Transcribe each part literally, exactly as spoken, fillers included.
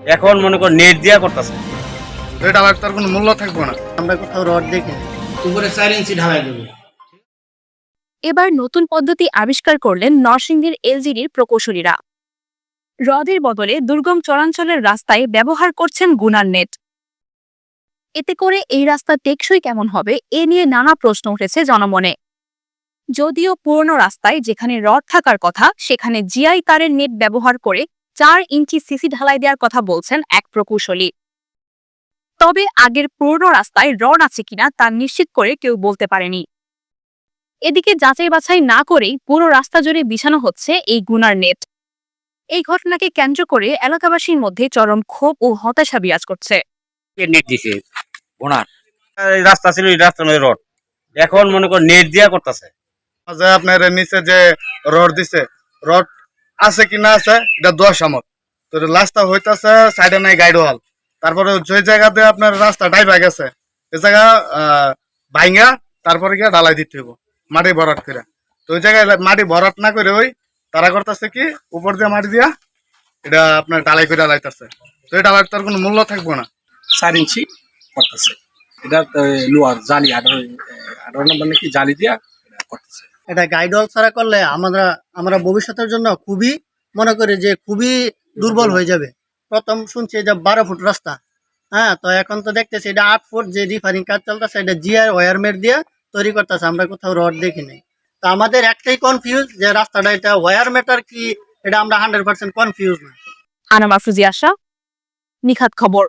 এখন মনে কর নেট দিয়া করতেছে, এটা আবার তার কোনো মূল্য থাকবে না। আমরা কোথাও রড দেখি উপরে চার ইঞ্চি ঢালাই দেবে। এবার নতুন পদ্ধতি আবিষ্কার করলেন নরসিংদীর এলজিডির প্রকৌশলীরা। হ্রদের বদলে দুর্গম চরাঞ্চলের রাস্তায় ব্যবহার করছেন গুনার নেট। এতে করে এই রাস্তা টেকসই কেমন হবে এ নিয়ে নানা প্রশ্ন উঠেছে জনমনে। যদিও পুরনো রাস্তায় যেখানে রড থাকার কথা সেখানে জিআই তারের নেট ব্যবহার করে চার ইঞ্চি সিসি ঢালাই দেওয়ার কথা বলছেন এক প্রকৌশলী। তবে আগের পুরনো রাস্তায় রড আছে কিনা তা নিশ্চিত করে কেউ বলতে পারেনি। এদিকে যাচাই বাছাই না করেই পুরো রাস্তা জুড়ে বিছানো হচ্ছে এই গুনার নেট। এই ঘটনাকে কেন্দ্র করে এলাকাবাসীর মধ্যে চরম ক্ষোভ ও হতাশা বিরাজ করছে। নেট দিছে ওনার এই রাস্তা ছিল, এই রাস্তার মধ্যে রড, এখন মনে কর নেট দিয়া করতেছে। যে আপনার নিচে যে রড দিছে, রড আছে কি না আছে এটা দশ আমত, তো রাস্তা হইতেছে সাইডে নাই গাইড ওয়াল, তারপরে যে জায়গাতে আপনার রাস্তা ডাইবা গেছে এই জায়গা আহ ভাইঙ্গা তারপরে গিয়ে ঢালাই দিতে হইব মাটি ভরাট করে। তো ওই জায়গায় মাটি ভরাট না করে ওই তারা করতেছে কি উপর দিয়ে মাটি দিয়া এটা আপনার ঢালাই করে ঢালাইতেছে, তো এটা আবার তার কোনো মূল্য থাকবে না। চার ইঞ্চি করতেছে, এটা লোয়ার জালি আঠারো আঠারো নম্বর নাকি জালি দিয়া করতেছে। এটা গাইডল ছাড়া করলে আমরা আমরা ভবিষ্যতের জন্য খুবই মনে করি যে খুবই দুর্বল হয়ে যাবে। প্রথম শুনছি যে বারো ফুট রাস্তা, হ্যাঁ, তো এখন তো দেখতেছি এটা আট ফুট যে রিফারিং কাজ চলতেছে এটা জিআই ওয়ারমেট দিয়ে তৈরি করতেছে, আমরা কোথাও রড দেখি নাই। তো আমাদের একটাই কনফিউজ যে রাস্তাটা এটা ওয়ারমেটার কি, এটা আমরা হান্ড্রেড পার্সেন্ট কনফিউজ না। আনাম আফরোজি আশা, নিখাত খবর।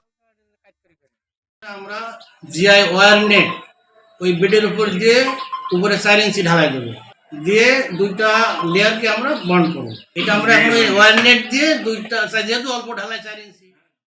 আমরা জিআই ওয়ার নেট ওই বেডের উপর দিয়ে উপরে চার ইঞ্চি ঢালাই দেবো, দিয়ে দুইটা লেয়ারকে আমরা বন্ড করবো। এটা আমরা এখন ওই ওয়ার নেট দিয়ে দুইটা, যেহেতু অল্প ঢালাই চার ইঞ্চি